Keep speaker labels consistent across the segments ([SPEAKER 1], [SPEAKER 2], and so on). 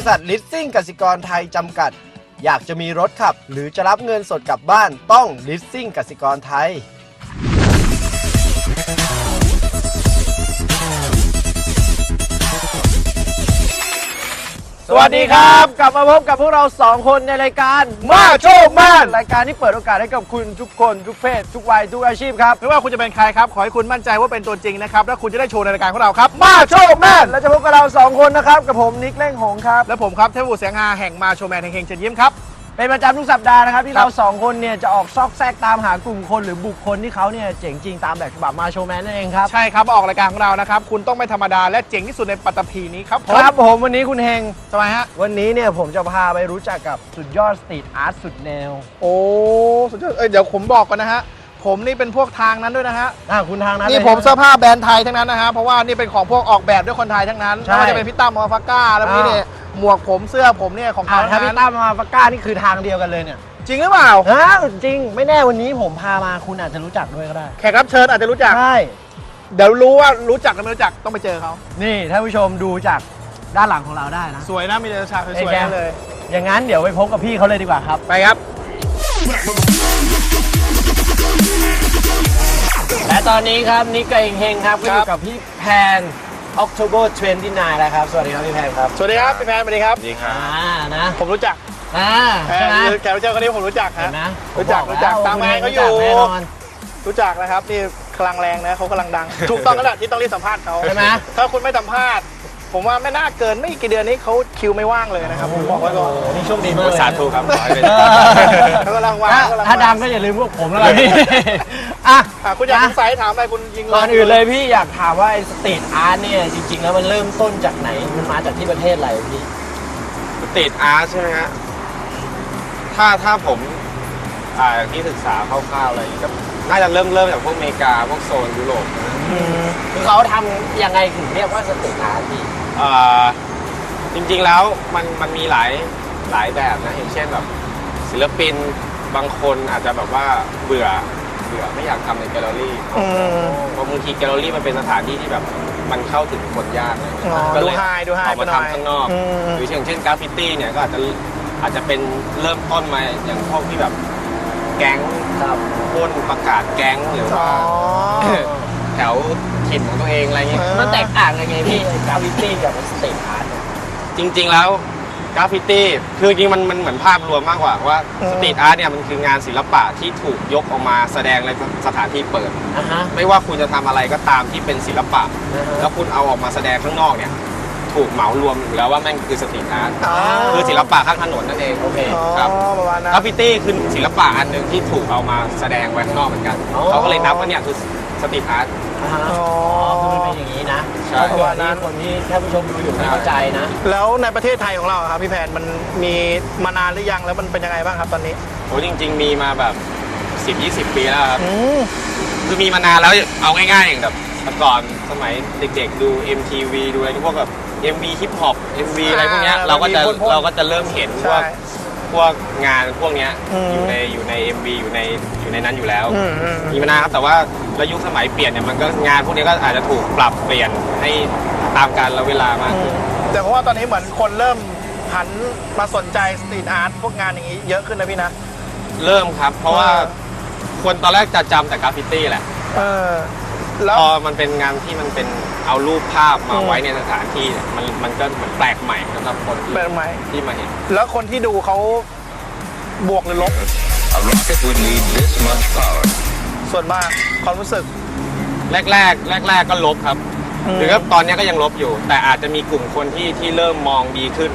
[SPEAKER 1] ษัทลิสซิ่งกสิกรไทยจำกัดอยากจะมีรถขับหรือจะรับเงินสดกลับบ้านต้องลิสซิ่งกสิกรไทยสวัสดีครับกลับมาพบกับพวกเรา2คนในรายการมาโชคแมนรายการที่เปิดโอกาสให้กับคุณทุกคนทุกเพศทุกวัยทุกอาชีพครับ
[SPEAKER 2] ไม่ว่าคุณจะเป็นใครครับขอให้คุณมั่นใจว่าเป็นตัวจริงนะครับและคุณจะได้โชว์ในรายการของเราครับ
[SPEAKER 1] มาโชคแมนและจะพบกับเรา2คนนะครับกับผมนิกเล่งหงครับ
[SPEAKER 2] และผมครับเทพบุตรแสงฮาแห่งมาโชว์แมนแห่งเชิญยิ้มครับ
[SPEAKER 1] เป็นประจำทุกสัปดาห์นะครับที่เรา2คนเนี่ยจะออกซอกแซกตามหากลุ่มคนหรือบุคคลที่เขาเนี่ยเจ๋งจริงตามแบบฉบับมาโชว์แมนนั่นเองครับ
[SPEAKER 2] ใช่ครับออกรายการของเรานะครับคุณต้องไม่ธรรมดาและเจ๋งที่สุดในปัตตภีนี้ครับ
[SPEAKER 1] ครับผมวันนี้คุณเฮง
[SPEAKER 2] ทำไมฮะ
[SPEAKER 1] วันนี้เนี่ยผมจะพาไปรู้จักกับสุดยอดสตรีทอาร์ตสุดแนว
[SPEAKER 2] โอ้สุดยอดเดี๋ยวผมบอกก่อนนะฮะผมนี่เป็นพวกทางนั้นด้วยนะฮะ
[SPEAKER 1] คุณทางนั้น
[SPEAKER 2] นี่ผมเสื้อผ้าแบรนด์ไทยทั้งนั้นนะฮะเพราะว่านี่เป็นของพวกออกแบบด้วยคนไทยทั้งนั้นไม่ว่าจะเป็นพี่ตั้มมาฟาก้าแล้วพี่เนี่ยหมวกผมเสื้อผมเนี่ยของเขา
[SPEAKER 1] ถ้าพี่ตั้มมาฟาก้านี่คือทางเดียวกันเลยเนี่ย
[SPEAKER 2] จริงหรือเปล่า
[SPEAKER 1] จริงไม่แน่วันนี้ผมพามาคุณอาจจะรู้จักด้วยก็ได้
[SPEAKER 2] แขกรับเชิญอาจจะรู้จัก
[SPEAKER 1] ใช่
[SPEAKER 2] เดี๋ยวรู้ว่ารู้จักหรือไม่รู้จักต้องไปเจอเขา
[SPEAKER 1] นี่ท่านผู้ชมดูจากด้านหลังของเราได้นะ
[SPEAKER 2] สวยนะมีแต่ฉากสวยๆเลย
[SPEAKER 1] อย่างนั้นเดี๋ยวไปพบกับพี่เขาเลยดีกว่าครับ
[SPEAKER 2] ไปครับ
[SPEAKER 1] และตอนนี้ครับนิกกับเฮงครับก็อยู่กับพี่แพน October 29แล้วครับสวัสดีครับพี่แพนครับ
[SPEAKER 2] สวัสดีครับพี่แพนสวัสดีครับ
[SPEAKER 3] ดีครับ
[SPEAKER 1] นะ
[SPEAKER 2] ผมรู้จัก
[SPEAKER 1] ใช่ไหม
[SPEAKER 2] แขกรับเชิญคนนี้ผมรู้จักฮะรู้จักตามงานเขาอยู่รู้จักนะครับนี่กำลังแรงนะเขากำลังดังถูกต้องแล้วแหละที่ต้องรีบสัมภาษณ์เขา
[SPEAKER 1] ใช่ไหม
[SPEAKER 2] ถ้าคุณไม่สัมภาษณ์ผมว่าไม่น่าเกินไม่กี่เดือนนี้เขาคิวไม่ว่างเลยนะครับผมบอกไว้ก่อน
[SPEAKER 1] นี่โชคดีมาก
[SPEAKER 3] สาธุครับ
[SPEAKER 2] เขากำลังว่าง
[SPEAKER 1] ถ้าดังก็อย่าลืมพวกผมแล้วกันพี่
[SPEAKER 2] คุณอยากสงสัยถามอะไรคุณยิง
[SPEAKER 1] ก่อนอื่นเลยพี่อยากถามว่าไอ้สตรีทอาร์ตเนี่ยจริงๆแล้วมันเริ่มต้นจากไหนมันมาจากที่ประเทศอะไรพี่
[SPEAKER 3] สตรีทอาร์ตใช่ไหมฮะถ้าผมที่ศึกษาคร่าวๆอะไรก็น่าจะเริ่มจากพวกอเมริกาพวกโซนยุโรป
[SPEAKER 1] คือเขาทำยังไงถึงเรียกว่าสตรีทอาร์ตพี่
[SPEAKER 3] จริงๆแล้วมันมีหลายแบบนะอย่างเช่นแบบศิลปินบางคนอาจจะแบบว่าเบื่อไม่อยากทำในแกลเลอรี่เพราะบางทีแกลเลอรี่มันเป็นสถานที่ที่แบบมันเข้าถึงคนยากเลย
[SPEAKER 2] ก็เลย
[SPEAKER 3] ออกมาทำข้างนอกหรืออย่างเช่นกราฟฟิตี้เนี่ยก็อาจจะเป็นเริ่มต้นมาอย่างพวกที่แบบแก๊งพ่นประกาศแก๊งหรือว่าแถวถิ่นของตัวเองอะไรเงี้ย
[SPEAKER 1] มันแตกต่างยังไงพี่กราฟฟิตี้กับสตรีทอาร์ต
[SPEAKER 3] จริงๆแล้วกราฟฟิตี้คือจริงมันเหมือนภาพรวมมากกว่าว่าสตรีทอาร์ตเนี่ยมันคืองานศิลปะที่ถูกยกออกมาแสดงในสถานที่เปิดไม่ว่าคุณจะทำอะไรก็ตามที่เป็นศิลปะแล้วคุณเอาออกมาแสดงข้างนอกเนี่ยถูกเหมารวมอยู่แล้วว่าแม่งคือสตรีทอาร์ตคือศิลปะข้างถนนนั่นเอง
[SPEAKER 1] โอเค
[SPEAKER 3] ครับกราฟฟิตี้คือศิลปะอันหนึ่งที่ถูกเอามาแสดงไว้ข้างนอกเหมือนกันเขาก็เลยนับว่าเนี่ยคือสตรีทอาร์ต
[SPEAKER 1] คือมันเป็นอย่างนี้นะ
[SPEAKER 3] ใช่
[SPEAKER 1] เพราะว่าคนที่ท่านผู้ชมดูอยู่ไม่เข้าใจนะ
[SPEAKER 2] แล้วในประเทศไทยของเราครับพี่แพนมันมีมานานหรือยังแล้วมันเป็นยังไงบ้างครับตอนนี้
[SPEAKER 3] โอ้จริงๆมีมาแบบ 10-20 ปีแล้วครับคือมีมานานแล้วเอาง่ายๆอย่างแบบก่อนสมัยเด็กๆดู MTV ดูอะไรพวกแบบ MV ฮิปฮอป MV อะไรพวกเนี้ยเราก็จะเริ่มเห็นพวกงานพวกเนี้ยอยู่ใน MV อยู่ในนั้นอยู่แล้วมีมานานครับแต่ว่าแล้วยุคสมัยเปลี่ยนเนี่ยมันก็งานพวกนี้ก็อาจจะถูกปรับเปลี่ยนให้ตามกาลเวลามากขึ้น
[SPEAKER 2] แต่เพราะว่าตอนนี้เหมือนคนเริ่มหันมาสนใจสตรีทอาร์ตพวกงานอย่างนี้เยอะขึ้นนะพี่นะ
[SPEAKER 3] เริ่มครับเพราะว่าคนตอนแรกจะจำแต่กราฟฟิตี้แหละพอมันเป็นงานที่มันเป็นเอารูปภาพมาไว้ในสถานที่มันก็เหมือนแปลกใหม่สำหรับคนที่มาเห็น
[SPEAKER 2] แล้วคนที่ดูเขาบวกหรือลบส่วนมากความรู้สึก
[SPEAKER 3] แรกก็ลบครับหรือว่าตอนนี้ก็ยังลบอยู่แต่อาจจะมีกลุ่มคนที่เริ่มมองดีขึ้น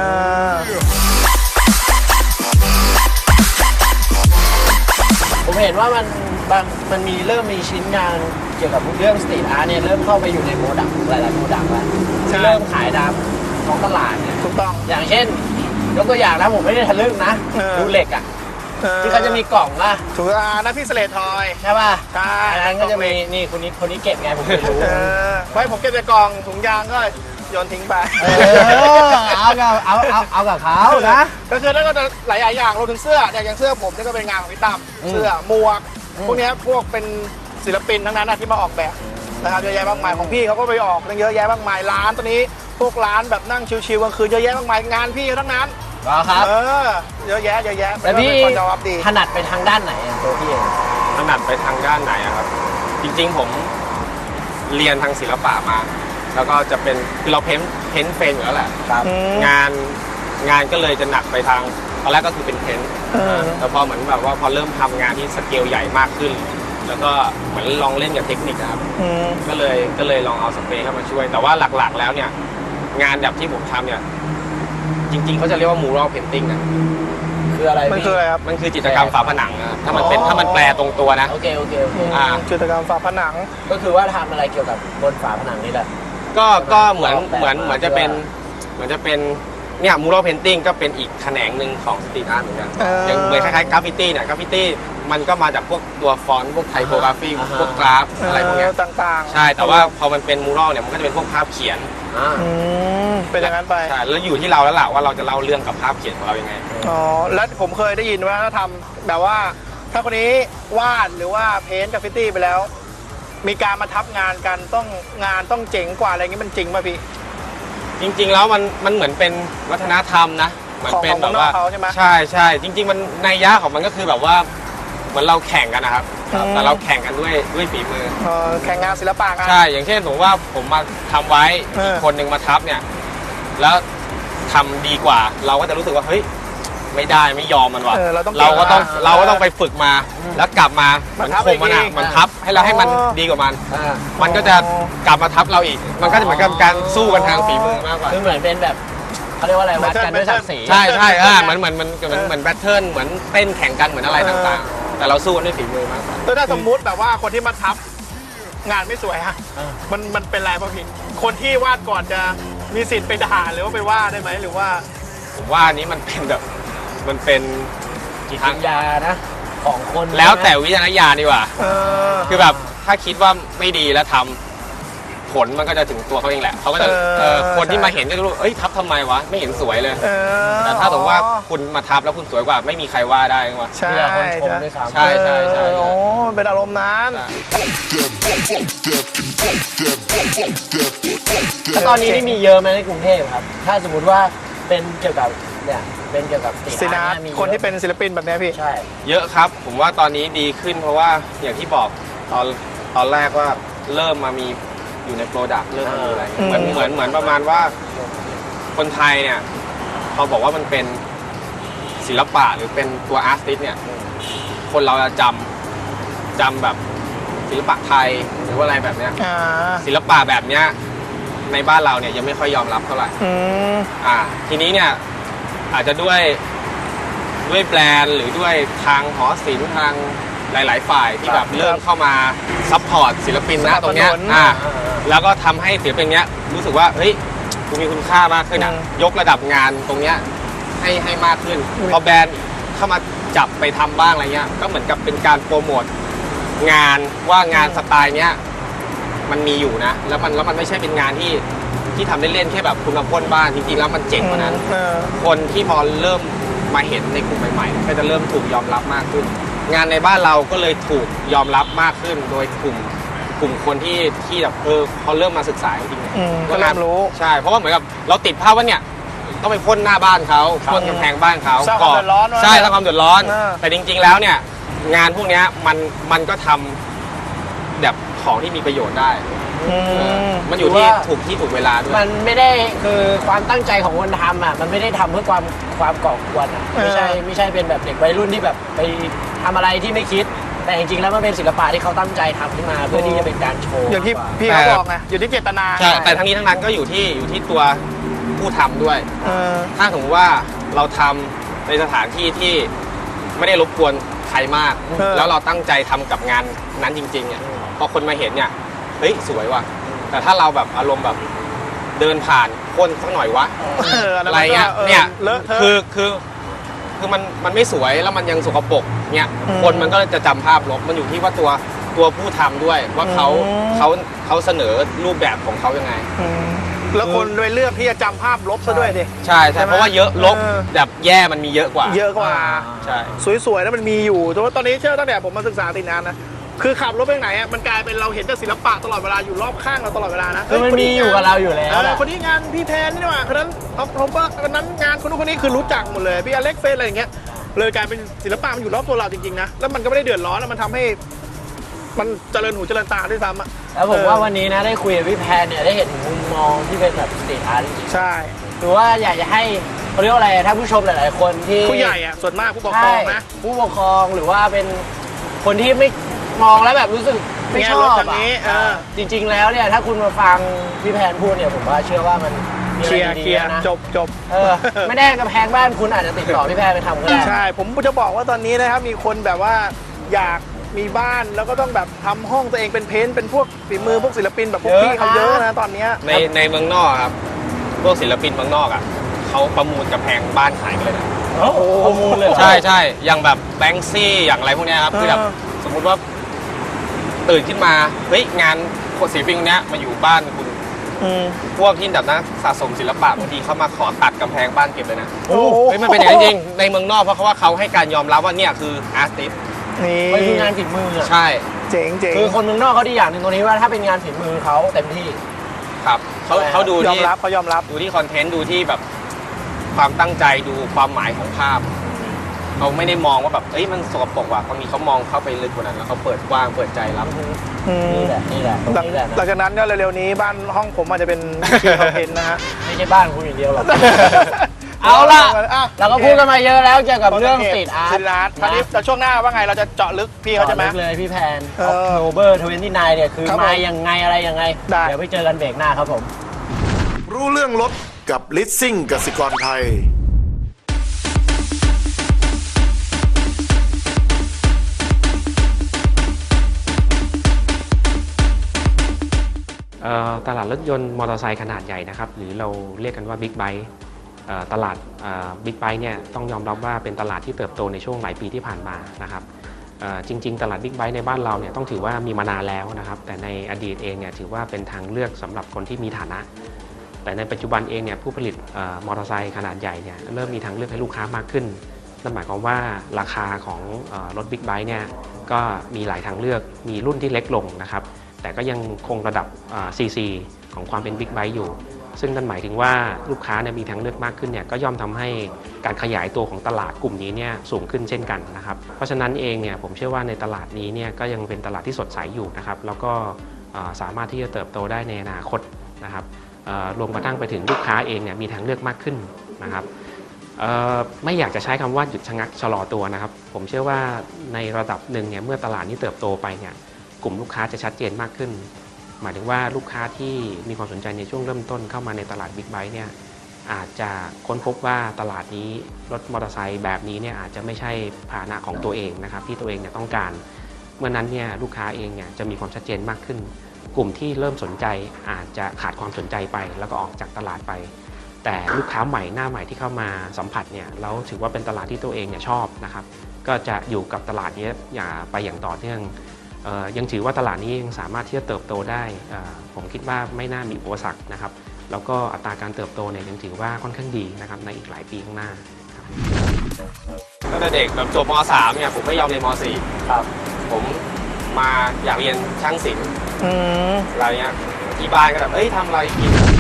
[SPEAKER 1] ผมเห็นว่ามันเริ่มมีชิ้นงานเกี่ยวกับเรื่องสตรีทอาร์ตเนี่ยเริ่มเข้าไปอยู่ในโปรดักต์หลายๆโปรดักต์แล้วเริ่มขายตามท้องตลาดเนี่ย
[SPEAKER 2] ถูกต้อง
[SPEAKER 1] อย่างเช่นยกตัวอย่างนะผมไม่ได้ทะลึ่งนะดูเหล็กอ่ะที่เขาจะมีกล่องล่ะ
[SPEAKER 2] ถูกนะพี่เสลดทอย
[SPEAKER 1] ใช่ป่ะ
[SPEAKER 2] ใช่
[SPEAKER 1] อันนั้นก็จะมีนี่คนนี้เก็บไงผมไม่รู้
[SPEAKER 2] ไว้ผมเก็บในกล่องถุงยางก็โยนทิ้งไป
[SPEAKER 1] เอากับเขานะ
[SPEAKER 2] ก็คือแล้วก็จะหลายอย่างรวมถึงเสื้ออย่างเสื้อผมนี่ก็เป็นงานของพี่ตั้มเสื้อหมวกพวกนี้พวกเป็นศิลปินทั้งนั้นที่มาออกแบบนะครับเยอะแยะมากมายของพี่เขาก็ไปออกเยอะแยะมากมายร้านตอนนี้พวกร้านแบบนั่งชิวๆกลางคืนเยอะแยะมากมายงานพี่ทั้งนั้น
[SPEAKER 1] เหรอครับ
[SPEAKER 2] เยอะแยะเยอะแยะ
[SPEAKER 1] แล้วพี่
[SPEAKER 2] เป็นคนยอมรับดี
[SPEAKER 1] ถนัดไปทางด้านไหนอะตัวพี่เอง
[SPEAKER 3] ถนัดไปทางด้านไหนอะครับ จริงๆผมเรียนทางศิลปะมา แล้วก็จะเป็นคือเราเพ้นท์เฟรมอยู่แล้วแหละ
[SPEAKER 1] ครับ
[SPEAKER 3] งานก็เลยจะหนักไปทางตอนแรกก็คือเป็นเพ้นท์แต่พอเหมือนแบบว่าพอเริ่มทำงานที่สเกลใหญ่มากขึ้น แล้วก็เหมือนลองเล่นกับเทคนิคอะครับก็เลยลองเอาสเปรย์เข้ามาช่วย แต่ว่าหลักๆแล้วเนี่ยงานแบบที่ผมทำเนี่ยจริงๆเขาจะเรียกว่า mural painting นะ
[SPEAKER 1] คืออะไร
[SPEAKER 2] มัน
[SPEAKER 1] พี่
[SPEAKER 2] คืออะไรครับ
[SPEAKER 3] มันคือจิตรกรรมฝาผนังนะครับถ้ามันแปลตรงตัวนะ
[SPEAKER 1] โอเค
[SPEAKER 2] จิตรกรรมฝาผนัง
[SPEAKER 1] ก็คือว่าทำอะไรเกี่ยวกับบนฝาผนังนี่แหละ
[SPEAKER 3] ก็เหมือน
[SPEAKER 1] ออกแบบ
[SPEAKER 3] เหมือนจะเป็นเนี่ยมูรัลเพนติ้งก็เป็นอีกแขนงหนึ่งของสตรีทอาร์ตเหมือนกันอย่างเหมือนคล้ายๆกราฟฟิตี้เนี่ยกราฟฟิตี้มันก็มาจากพวกตัวฟอนต์พวกไทโปกราฟีพวกกราฟอะไรพวกเนี้ย
[SPEAKER 2] ต่างๆ
[SPEAKER 3] ใช่แต่ว่าพอมันเป็นมูรัลเนี่ยมันก็จะเป็นพวกภาพเขียน
[SPEAKER 2] เป็นอย่างนั้นไป
[SPEAKER 3] ใช่แล้วอยู่ที่เราแล้วล่ะว่าเราจะเล่าเรื่องกับภาพเขียนของเรายังไง
[SPEAKER 2] อ๋อแล้วผมเคยได้ยินว่าถ้าทำแบบว่าถ้าคนนี้วาดหรือว่าเพ้นท์กราฟฟิตี้ไปแล้ว มีการมาทับงานกันงานต้องเจ๋งกว่าอะไรอย่างงี้มันจริงป่ะพี่
[SPEAKER 3] จริงๆแล้วมันเหมือนเป็นวัฒนธรรมนะเหมือนเป็นแบบว่า
[SPEAKER 2] ของเขาใช่ไหม
[SPEAKER 3] ใช่จริงๆมันนัยยะของมันก็คือแบบว่าเหมือนเราแข่งกันนะครับแต่เราแข่งกันด้วยฝีมือ
[SPEAKER 2] แข่งงานศิลปะกัน
[SPEAKER 3] ใช่อย่างเช่นผมว่าผมมาทำไว้
[SPEAKER 2] อีก
[SPEAKER 3] คนหนึ่งมาทับเนี่ยแล้วทำดีกว่า เราก็จะรู้สึกว่าเฮ้ยไม่ได้ไม่ยอมมันว่ะ
[SPEAKER 2] เราต้อง
[SPEAKER 3] เราก็ต้องไปฝึกมาแล้วกลับมาเหมือนข่มมันอ่ะมันทับให้เราให้มันดีกว่ามัน มันก็จะกลับมาทับเราอีก มันก็จะเหมือนกับการสู้กันทางฝีมือมากกว่า
[SPEAKER 1] คือเหมือนเป็นแบบเขาเรียกว่าอะไรวัดกันด้วยศักดิ์ศรี
[SPEAKER 3] ใช่เหมือนแบทเทิลเหมือนเต้นแข่งกันเหมือนอะไรต่างๆ แต่เราสู้กันด้วยฝีมือมากกว่า
[SPEAKER 2] ถ้าสมมุติแบบว่าคนที่มาทับงานไม่สวยฮะมันเป็นไรป่ะพี่คนที่วาดก่อนจะมีสิทธิ์ไปด่าหรือว่าไปว่าได้ไหมหรือว่า
[SPEAKER 3] ผมว่าอันนี้มันเป็นแบบมันเป็น
[SPEAKER 1] จิตวิญญาณนะของคน
[SPEAKER 3] แล้วแต่วิจารณญาณดีกว่า คือแบบถ้าคิดว่าไม่ดีแล้วทำผลมันก็จะถึงตัวเขาเองแหละเขาก็จะคนที่มาเห็นก็จะรู้เอ้ยทับทำไมวะไม่เห็นสวยเลยแต่ถ้าสมมติว่าคุณมาทับแล้วคุณสวยกว่าไม่มีใครว่าได้ว่า
[SPEAKER 2] ใช่
[SPEAKER 1] เพื่อคนชมด้วยซ้ำ
[SPEAKER 3] ใช่
[SPEAKER 2] โอ้เป็นอารมณ์นั้น
[SPEAKER 1] แล้วตอนนี้นี่มีเยอะไหมในกรุงเทพครับ ถ้าสมมติว่าเป็นเกี่ยวกับเนี่ยเป็นเกี่ยวกับสตรีท
[SPEAKER 2] ศิล
[SPEAKER 1] อา
[SPEAKER 2] ปะ
[SPEAKER 1] ร์ตมี
[SPEAKER 2] คนที่เป็นศิลปินแบบเนี้ยพี่
[SPEAKER 1] ใช่
[SPEAKER 3] เยอะครับผมว่าตอนนี้ดีขึ้นเพราะว่าอย่างที่บอกตอนแรกว่าเริ่มมามีอยู่ในโปรดักต์เริ่มมามีอะไรเหมือนประมาณว่าคนไทยเนี่ยพอบอกว่ามันเป็นศิลปะหรือเป็นตัวอาร์ติสเนี่ยคนเราจะจำแบบศิลปะไทยหรือว่าอะไรแบบเนี้ยศิลปะแบบเนี้ยในบ้านเราเนี่ยยังไม่ค่อยยอมรับเท่าไหร่ทีนี้เนี่ยอาจจะด้วยแบรนด์หรือด้วยทางหอศิลป์ทางหลายๆฝ่ายที่แบบเริ่มเข้ามาซัพพอร์ตศิลปินนะตรงเนี้ยแล้วก็ทำให้ศิลปินเนี้ยรู้สึกว่าเฮ้ยกูมีคุณค่ามากขึ้นอ่ะยกระดับงานตรงเนี้ยให้มากขึ้นพอแบรนด์เข้ามาจับไปทำบ้างอะไรเงี้ยก็เหมือนกับเป็นการโปรโมทงานว่างานสไตล์เนี้ยมันมีอยู่นะแล้วมันไม่ใช่เป็นงานที่ทำเล่นๆแค่แบบคุณมาพ่นบ้านจริงๆแล้วมันเจ๋งกว่านั้นคนที่พอเริ่มมาเห็นในกลุ่มใหม่ๆก็จะเริ่มถูกยอมรับมากขึ้นงานในบ้านเราก็เลยถูกยอมรับมากขึ้นโดยกลุ่มคนที่แบบเขาเริ่มมาศึกษาจริงๆ
[SPEAKER 2] ก็เริ่มรู้
[SPEAKER 3] ใช่เพราะว่าเหมือนกับเราติดภาพว่าเนี่ยต้องไปพ่นหน้าบ้านเขาพ่นกำแพงบ้านเขา
[SPEAKER 2] สร้างความเดือดร้อน
[SPEAKER 3] ใช่สร้างความเดือดร้อนแต่จริงๆแล้วเนี่ยงานพวกนี้มันก็ทำแบบของที่มีประโยชน์ได้มันอยู่ที่ถูกเวลาด้วย
[SPEAKER 1] มันไม่ได้คือความตั้งใจของคนทำอ่ะมันไม่ได้ทำเพื่อความก่อกวนอ่ะไม่ใช่เป็นแบบเด็กวัยรุ่นที่แบบไปทำอะไรที่ไม่คิดแต่จริงๆแล้วมันเป็นศิลปะที่เขาตั้งใจทำขึ้นมาเพื่อที่จะเป็นการโชว์
[SPEAKER 2] อย่างที่พี่เขาบอกไงอยู่ที่เจตนา
[SPEAKER 3] ใช่แต่ทั้งนี้ทั้งนั้นก็อยู่ที่ตัวผู้ทำด้วยถ้าสมมติว่าเราทำในสถานที่ที่ไม่ได้รบกวนใครมากแล้วเราตั้งใจทำกับงานนั้นจริงๆเนี่ยพอคนมาเห็นเนี่ยเฮ้ยสวยว่ะแต่ถ้าเราแบบอารมณ์แบบเดินผ่านคนสักหน่อยวะอะไรเงี้ยเนี่ยคือมันไม่สวยแล้วมันยังสกปรกเนี่ยคนมันก็จะจำภาพลบมันอยู่ที่ว่าตัวผู้ทำด้วยว่าเขาเสนอรูปแบบของเขายังไง
[SPEAKER 2] แล้วคนโดยเลือกที่จะจำภาพลบซะด้วยดิ
[SPEAKER 3] ใช่เพราะว่าเยอะลบแบบแย่มันมีเยอะกว่า
[SPEAKER 2] ใช่สวยๆแล้วมันมีอยู่แต่ว่าตอนนี้เชื่อตั้งแต่ผมมาศึกษาติดนานนะคือขับรถไปไหนอ่ะมันกลายเป็นเราเห็นแต่ศิลปะตลอดเวลาอยู่รอบข้างเราตลอดเวลานะ
[SPEAKER 1] คือมันมีอยู่กับเราอยู่แล้วแหละ
[SPEAKER 2] คนนี้งานพี่แพนนี่หว่าคนนั้นเอาคนนั้นงานคนนู้นคนนี้คือรู้จักหมดเลยพี่อเล็กเฟสอะไรอย่างเงี้ยเลยกลายเป็นศิลปะมันอยู่รอบตัวเราจริงๆนะแล้วมันก็ไม่ได้เดือดร้อนแล้วมันทำให้มันเจริญหูเจริญตาด้วยซ้ำอ่ะ
[SPEAKER 1] แล้วผมว่าวันนี้นะได้คุยกับพี่แพนเนี่ยได้เห็นมุมมองที่เป็นแบบสตรีทอาร์ตจริง
[SPEAKER 2] ใช่
[SPEAKER 1] ๆถือว่าอยากจะให้เขาเรียกว่าอะไรถ้าผู้ชมหลายๆคนที่
[SPEAKER 2] ผู้ใหญ่อ่ะส่วนมากผู้ปกครองนะ
[SPEAKER 1] ใช่ผู้ปกครองหรือว่าเป็นคนที่ไม่มองแล้วแบบรู้สึกไม่ชอบ
[SPEAKER 2] แง่ลบทางนี้
[SPEAKER 1] จริง ๆ แล้วเนี่ยถ้าคุณมาฟังพี่แพนพูดเนี่ยผมว่าเชื่อว่ามันมี
[SPEAKER 2] เค
[SPEAKER 1] อะไร
[SPEAKER 2] ลียร์
[SPEAKER 1] ดีๆนะ
[SPEAKER 2] จบ
[SPEAKER 1] ไม่ได้กำแพงบ้านคุณอาจจะติดต่อพี่แพนไปทำก็ได้
[SPEAKER 2] ใช่ผมจะบอกว่าตอนนี้นะครับมีคนแบบว่าอยากมีบ้านแล้วก็ต้องแบบทำห้องตัวเองเป็นเพ้นท์เป็นพวกฝีมือพวกศิลปินแบบพวกพี่เขาเยอะนะตอนเนี้ย
[SPEAKER 3] ในเมืองนอกครับพวกศิลปินเมืองนอกอ่ะเขาประมูลกำแพงบ้านขายกันเลยนะ
[SPEAKER 1] โอ้โหประมูลเลยเหรอ
[SPEAKER 3] ใช่ใช่อย่างแบบแบงซี่อย่างอะไรพวกเนี้ยครับคือแบบสมมุติว่าตื่นขึ้นมาเฮ้ยงานศิลปินคนเนี้ยมาอยู่บ้านคุณพวกที่แบบนักสะสมศิลปะบางทีเขามาขอตัดกำแพงบ้านเก็บเลยนะ
[SPEAKER 2] โอ้โห
[SPEAKER 3] เฮ้ยมันเป็นอย่างนั้นจริงในเมืองนอกเพราะว่าเขาให้การยอมรับว่าเนี่ยคืออาร์ติสต์
[SPEAKER 2] นี่
[SPEAKER 1] มันคืองานฝีมืออะ
[SPEAKER 3] ใช่
[SPEAKER 2] เจ๋ง
[SPEAKER 1] คือคนเมืองนอกเขาดีอย่างหนึ่งตรงนี้ว่าถ้าเป็นงานฝีมือเขาเต็มที่
[SPEAKER 3] ครับเขาดู
[SPEAKER 2] ยอม
[SPEAKER 3] ที่
[SPEAKER 2] รับเขายอมรับ
[SPEAKER 3] ดูที่คอนเทนต์ดูที่แบบความตั้งใจดูความหมายของภาพเขาไม่ได้มองว่าแบบเอ้ยมันสกปรกว่ะบางทีเขามองเข้าไปลึกกว่านั้นแล้วเขาเปิดกว้างเปิดใจรับ
[SPEAKER 1] นี่แหละตรง
[SPEAKER 2] หลัง
[SPEAKER 1] นี้แหละ
[SPEAKER 2] หลังจากนั้นเนี่ยเร็วๆนี้บ้านห้องผมอาจจะเป็นทีมคอนเทนต์นะฮะ
[SPEAKER 1] ไม่ใช่บ้านคุณอย่างเดียวหรอกเอาล่ะเราก็พูดกันมาเยอะแล้วเกี่ยวกับเรื่องสตรีทอาร์
[SPEAKER 2] สตรีทอาร์ตคราวนี้เราช่วงหน้าว่าไงเราจะเจาะลึกพี่เขาใช่ไหม
[SPEAKER 1] เลยพี่แพน
[SPEAKER 2] October
[SPEAKER 1] 29เนี่ยคือ
[SPEAKER 2] ครับผม
[SPEAKER 1] มายังไงอะไรยังไง
[SPEAKER 2] ได้
[SPEAKER 1] เดี๋ยวไปเจอกันเบรกหน้าครับผม
[SPEAKER 4] รู้เรื่องรถกับลิสซิ่งกสิกรไทย
[SPEAKER 5] ตลาดรถยนต์มอเตอร์ไซค์ขนาดใหญ่นะครับหรือเราเรียกกันว่าบิ๊กไบค์ตลาดบิ๊กไบค์เนี่ยต้องยอมรับว่าเป็นตลาดที่เติบโตในช่วงหลายปีที่ผ่านมานะครับจริงๆตลาดบิ๊กไบค์ในบ้านเราเนี่ยต้องถือว่ามีมานานแล้วนะครับแต่ในอดีตเองเนี่ยถือว่าเป็นทางเลือกสำหรับคนที่มีฐานะแต่ในปัจจุบันเองเนี่ยผู้ผลิตมอเตอร์ไซค์ขนาดใหญ่เนี่ยเริ่มมีทางเลือกให้ลูกค้ามากขึ้นนั่นหมายความว่าราคาของรถบิ๊กไบค์เนี่ยก็มีหลายทางเลือกมีรุ่นที่เล็กลงนะครับแต่ก็ยังคงระดับCC ของความเป็นบิ๊กไบค์อยู่ซึ่งนั่นหมายถึงว่าลูกค้าเนี่ยมีทางเลือกมากขึ้นเนี่ยก็ย่อมทำให้การขยายตัวของตลาดกลุ่มนี้เนี่ยสูงขึ้นเช่นกันนะครับเพราะฉะนั้นเองเนี่ยผมเชื่อว่าในตลาดนี้เนี่ยก็ยังเป็นตลาดที่สดใสอยู่นะครับแล้วก็สามารถที่จะเติบโตได้ในอนาคตนะครับรวมกระทั่งไปถึงลูกค้าเองเนี่ยมีทางเลือกมากขึ้นนะครับไม่อยากจะใช้คำว่าหยุดชะงักชะลอตัวนะครับผมเชื่อว่าในระดับหนึ่งเนี่ยเมื่อตลาดนี้เติบโตไปเนี่ยกลุ่มลูกค้าจะชัดเจนมากขึ้นหมายถึงว่าลูกค้าที่มีความสนใจในช่วงเริ่มต้นเข้ามาในตลาดบิ๊กไบค์เนี่ยอาจจะค้นพบว่าตลาดนี้รถมอเตอร์ไซค์แบบนี้เนี่ยอาจจะไม่ใช่พาหนะของตัวเองนะครับที่ตัวเองเนี่ยต้องการเมื่อนั้นเนี่ยลูกค้าเองเนี่ยจะมีความชัดเจนมากขึ้นกลุ่มที่เริ่มสนใจอาจจะขาดความสนใจไปแล้วก็ออกจากตลาดไปแต่ลูกค้าใหม่หน้าใหม่ที่เข้ามาสัมผัสเนี่ยแล้วถือว่าเป็นตลาดที่ตัวเองเนี่ยชอบนะครับก็จะอยู่กับตลาดนี้ไปอย่างต่อเนื่องยังถือว่าตลาดนี้ยังสามารถที่จะเติบโตได้ผมคิดว่าไม่น่ามีอุปสรรคนะครับแล้วก็อัตราการเติบโตเนี่ยยังถือว่าค่อนข้างดีนะครับในอีกหลายปีข้างหน้า
[SPEAKER 3] ตั้งแต่เด็กแบบจบม.3 เนี่ยผมไม่ยอมเรียนม.4
[SPEAKER 1] ครับ
[SPEAKER 3] ผมมาอยากเรียนช่างศิลป์อะไรเงี้ยที่บ้านก็แบบเอ้ยทำอะไรกิน